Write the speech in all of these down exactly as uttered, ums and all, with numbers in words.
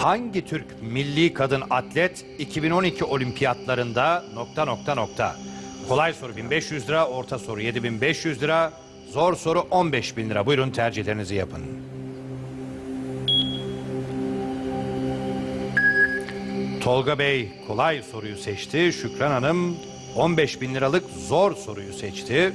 Hangi Türk milli kadın atlet iki bin on iki olimpiyatlarında nokta nokta nokta? Kolay soru bin beş yüz lira, orta soru yedi bin beş yüz lira, zor soru on beş bin lira. Buyurun tercihlerinizi yapın. Tolga Bey kolay soruyu seçti. Şükran Hanım on beş bin liralık zor soruyu seçti.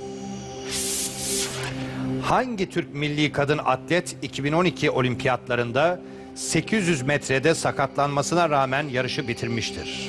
Hangi Türk milli kadın atlet iki bin on iki olimpiyatlarında sekiz yüz metrede sakatlanmasına rağmen yarışı bitirmiştir?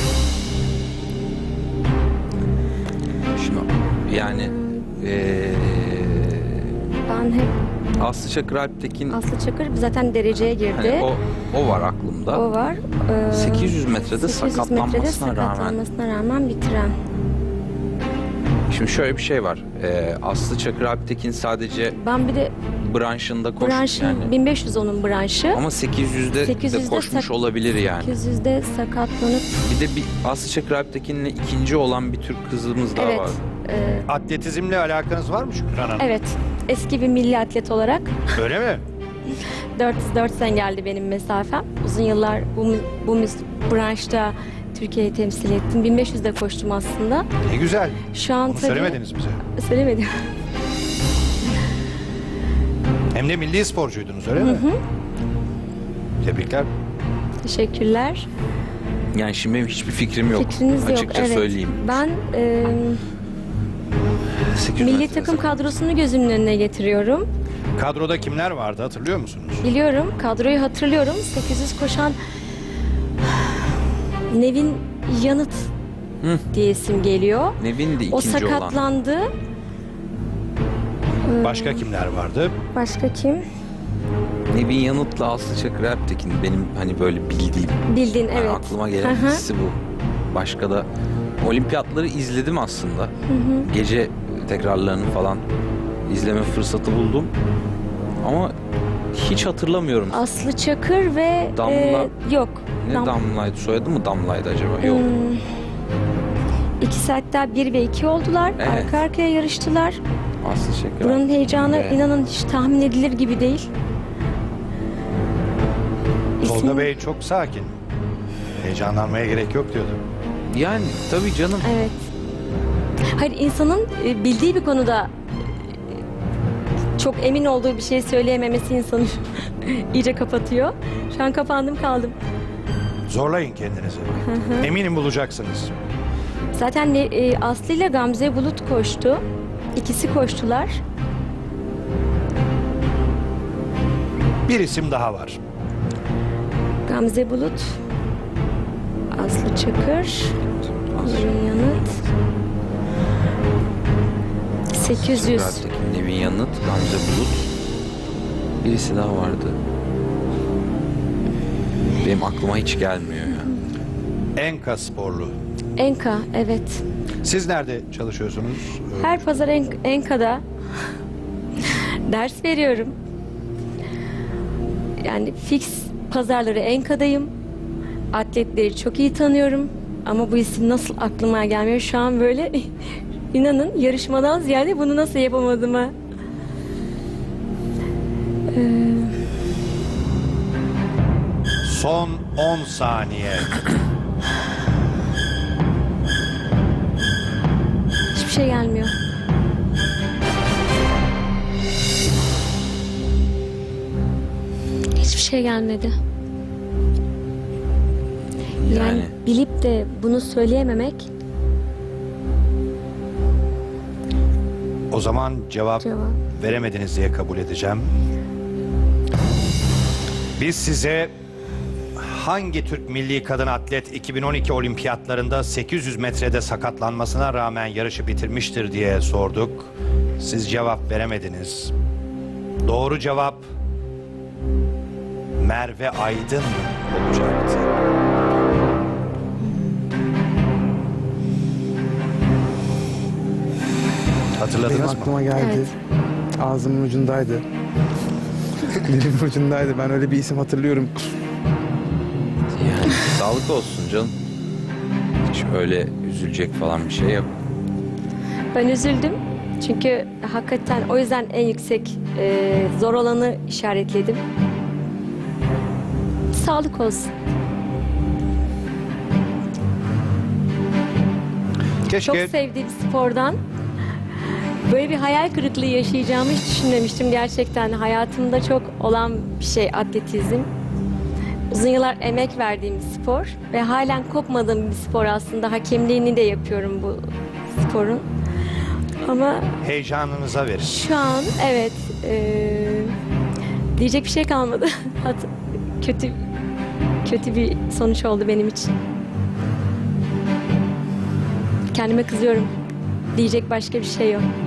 Şimdi yani eee Ben hep Aslı Çakır Alptekin, Aslı Çakır zaten dereceye girdi. hani o o var aklımda. O var. Ee, sekiz yüz metrede sekiz yüz metrede sakatlanmasına rağmen. sakatlanmasına rağmen bitiren. Şimdi şöyle bir şey var. Eee Aslı Çakır Alptekin sadece Ben bir de branşında koş branşın yani. bin beş yüz onun branşı. Ama sekiz yüzde sekiz de yüzde koşmuş sak- olabilir yani. sekiz yüzde sakatlanıp Bir de bir Aslı Çakır Alptekin'le ikinci olan bir Türk kızımız daha evet. var. e, Atletizmle alakanız var mı Şükran Hanım? evet. Eski bir milli atlet olarak Öyle mi? dört yüz dört engeldi benim mesafem. Uzun yıllar bu mü- bu müs- branşta Türkiye'yi temsil ettim. bin beş yüzde koştum aslında. Ne güzel. Şu an Bunu tabii söylemediniz bize. söylemedim. Hem de milli sporcuydunuz öyle mi? Tebrikler. Teşekkürler. Yani şimdi benim hiçbir fikrim yok. Fikriniz yok. Açıkça Evet. söyleyeyim. Ben e, sekiz yüz milli metrede takım kadrosunu gözümün önüne getiriyorum. Kadroda kimler vardı hatırlıyor musunuz? Biliyorum, kadroyu hatırlıyorum. sekiz yüz koşan Nevin Yanıt Hı. diye isim geliyor. Nevin de ikinci O olan. sakatlandı. Başka kimler vardı? Başka kim? Nevin Yanıt'la Aslı Çakır Alptekin benim hani böyle bildiğim. Bildin, Yani evet. aklıma gelen Hı hı. ikisi bu. Başka da olimpiyatları izledim aslında. Gece tekrarlarını falan izleme fırsatı buldum. Ama hiç hatırlamıyorum. Aslı Çakır ve Damla- e, yok. Ne Dam- Damla'ydı? Soyadı mı Damla'ydı acaba? Yok. Hmm, İkisi hatta bir ve iki oldular. Evet. Arka arkaya yarıştılar. Aslı Çakır Buranın Alptekin heyecanı ve- inanın hiç tahmin edilir gibi değil. Tolga İsim- Bey çok sakin. Heyecanlanmaya gerek yok diyordu. Yani tabii canım. Evet. Hayır, insanın e, bildiği bir konuda e, çok emin olduğu bir şey söyleyememesi insanı iyice kapatıyor. Şu an kapandım kaldım. Zorlayın kendinizi. Eminim bulacaksınız. Zaten ne- e, Aslı ile Gamze Bulut koştu. İkisi koştular. Bir isim daha var. Gamze Bulut, Aslı Çakır, Nevin Yanıt. sekiz yüz. Alptekin, Nevin Yanıt, Gamze Bulut. Birisi daha vardı. Benim aklıma hiç gelmiyor ya. Enka sporlu. Enka, evet. Siz nerede çalışıyorsunuz? Ee, Her pazar En- Enka'da ders veriyorum. Yani fix pazarları Enka'dayım. Atletleri çok iyi tanıyorum. Ama bu isim nasıl aklıma gelmiyor şu an böyle inanın yarışmadan ziyade bunu nasıl yapamadığıma. Son on saniye. Hiçbir şey gelmiyor. Hiçbir şey gelmedi. Yani, Yani. bilip de bunu söyleyememek O zaman cevap, cevap. veremediniz diye kabul edeceğim. Biz size hangi Türk milli kadın atlet iki bin on iki olimpiyatlarında sekiz yüz metrede sakatlanmasına rağmen yarışı bitirmiştir diye sorduk. Siz cevap veremediniz. Doğru cevap Merve Aydın olacaktı. Hatırladınız Benim mı? aklıma geldi. Evet. Ağzımın ucundaydı. Dilimin ucundaydı. Ben öyle bir isim hatırlıyorum. Yani sağlık olsun canım. Hiç öyle üzülecek falan bir şey yok. Ben üzüldüm. Çünkü hakikaten o yüzden en yüksek e, zor olanı işaretledim. Sağlık olsun. Keşke Çok sevdiğim spordan böyle bir hayal kırıklığı yaşayacağımı hiç düşünmemiştim gerçekten. Hayatımda çok olan bir şey atletizm. Uzun yıllar emek verdiğim bir spor ve halen kopmadığım bir spor aslında. Hakemliğini de yapıyorum bu sporun. Ama heyecanınıza verin. şu an evet eee, diyecek bir şey kalmadı. Hat- kötü kötü bir sonuç oldu benim için. Kendime kızıyorum. Diyecek başka bir şey yok.